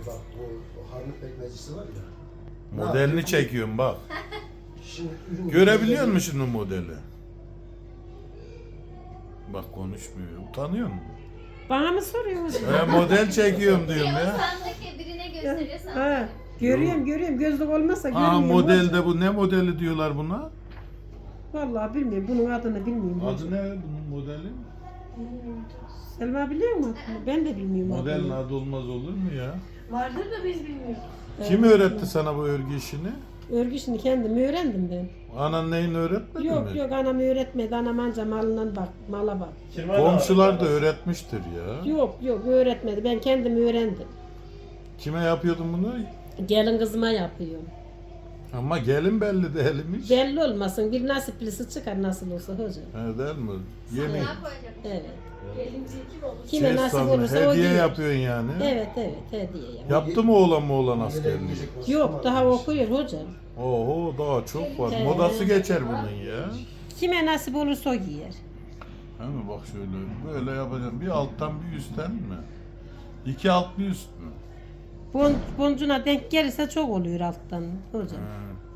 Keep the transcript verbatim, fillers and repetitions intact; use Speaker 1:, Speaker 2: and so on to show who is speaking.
Speaker 1: bak o, o harnut pekmezcisi var ya.
Speaker 2: Modelini çekiyorum bak.
Speaker 1: Şimdi ürün
Speaker 2: Görebiliyor musun şimdi modeli? Bak konuşmuyor. Utanıyor musun?
Speaker 3: Bana mı soruyorsun?
Speaker 2: E, model çekiyorum diyorum
Speaker 4: Ya.
Speaker 2: ya.
Speaker 4: Sandaki birine gösteriyor
Speaker 3: Ha,
Speaker 4: sanki.
Speaker 3: görüyorum görüyorum. Gözlük olmazsa
Speaker 2: Aa
Speaker 3: görmüyorum.
Speaker 2: modelde bu ne modeli diyorlar buna?
Speaker 3: Vallahi bilmiyorum. Bunun adını bilmiyorum.
Speaker 2: Adı ne bunun modeli?
Speaker 3: Selma biliyor mu adını? Ben de bilmiyorum
Speaker 2: Modelin
Speaker 3: adını.
Speaker 2: adı olmaz olur mu ya?
Speaker 5: Vardır da biz bilmiyoruz.
Speaker 2: Kim öğretti sana bu örgü işini?
Speaker 3: Örgü işini kendim öğrendim ben.
Speaker 2: Anan neyini öğretmedi
Speaker 3: Yok
Speaker 2: mi?
Speaker 3: yok anam öğretmedi. Anam anca malından bak, mala bak.
Speaker 2: Komşular da öğretmiştir ya.
Speaker 3: Yok yok öğretmedi. Ben kendim öğrendim.
Speaker 2: Kime yapıyordun bunu?
Speaker 3: Gelin kızıma yapıyorum.
Speaker 2: Ama gelin belli değilmiş.
Speaker 3: Belli olmasın. Bir nasiplisi çıkar nasıl olsa hocam.
Speaker 2: He değil mi? Yeni.
Speaker 4: Ne koyacak?
Speaker 3: Evet.
Speaker 5: Gelince kim olur?
Speaker 3: Kime
Speaker 2: Şey
Speaker 3: nasip
Speaker 2: sandım,
Speaker 3: olursa o
Speaker 2: hediye
Speaker 3: giyer.
Speaker 2: yapıyorsun yani.
Speaker 3: Evet evet hediye yap.
Speaker 2: Yaptı mı oğlan mı oğlan askerliği?
Speaker 3: Yok daha okuyor hocam.
Speaker 2: Oho daha çok var.
Speaker 3: He.
Speaker 2: Modası geçer bunun ya.
Speaker 3: Kime nasip olursa o giyer.
Speaker 2: He mi bak şöyle böyle yapacağım. Bir alttan bir üstten mi? İki alt bir üst mü?
Speaker 3: Bon, boncuğuna denk gelirse çok oluyor alttan hocam.
Speaker 2: He.